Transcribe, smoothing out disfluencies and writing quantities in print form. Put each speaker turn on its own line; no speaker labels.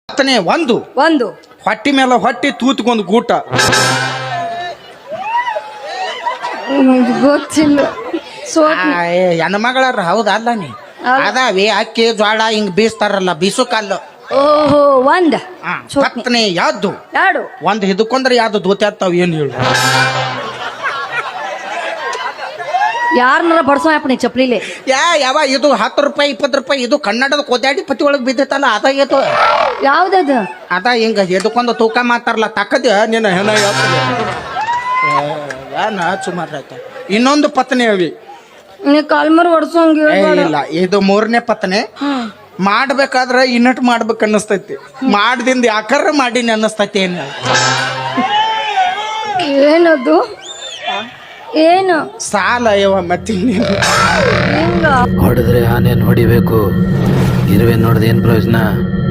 ಹತ್ತನೇ ಒಂದು
ಒಂದು
ಹೊಟ್ಟಿ ಮೇಲೆ ಹೊಟ್ಟಿ ತೂತ್ಕೊಂದು ಗೂಟ.
ಗೊತ್ತಿಲ್ಲ.
ಹೆಣ್ಮಗಳಾರ ಹೌದಲ್ಲ ನೀ ಅದಾವಿ ಅಕ್ಕಿ ಜ್ವಾಳ ಹಿಂಗ್ ಬೀಸ್ತಾರಲ್ಲ ಬೀಸು ಕಲ್ಲು.
ಓಹೋ ಒಂದ್
ಹತ್ತನೇ ಯಾವ್ದು
ಎರಡು
ಒಂದ್ ಹಿಡ್ಕೊಂಡ್ರೆ ಯಾವ್ದು ದೋತಿ ಆಗ್ತಾವ ಏನು ಹೇಳು.
ಯಾರನ್ನಾರ ಬಡ್ಸೋ ನೀ ಚಪ್ಲಿಲೆ
ಯಾವ ಇದು 10 ರೂಪಾಯಿ 20 ರೂಪಾಯಿ ಇದು ಕನ್ನಡದ ಕೋದ್ಯಾಡಿ ಪತಿ ಒಳಗ್ ಬಿದ್ದೈತಲ್ಲ ಅದಾಗೈತು.
ಯಾವ್ದದು
ಅದ ಹಿಂಗ ಎದಕ್ಕೊಂದು ತೂಕ ಮಾತಾರಲ್ಲ ತಕ್ಕದ ನಿನ್ನ ಹೆಣ ಏನ ಸುಮಾರು ಆಯ್ತ. ಇನ್ನೊಂದು ಪತ್ನಿ ಅವಿ
ನೀ ಕಾಲ್ಮರ್ ಹೊಡ್ಸೋಂಗ
ಇಲ್ಲ ಇದು 3ನೇ ಪತ್ನಿ. ಮಾಡ್ಬೇಕಾದ್ರ ಇನ್ನಟ್ ಮಾಡ್ಬೇಕು ಅನ್ನಿಸ್ತೈತಿ, ಮಾಡ್ದಿಂದ ಯಾಕರ ಮಾಡೀನಿ ಅನ್ನಿಸ್ತೈತಿ.
ಏನದು ಏನು
ಸಾಲ ಯವ ಮತ್ತೆ
ಹಿಂಗ
ಹೊಡೆದ್ರೆ ಆನೇನ್ ಹೊಡಿಬೇಕು, ಇರುವೆ ನೋಡ್ದೆ ಏನ್ ಪ್ರಯೋಜನ.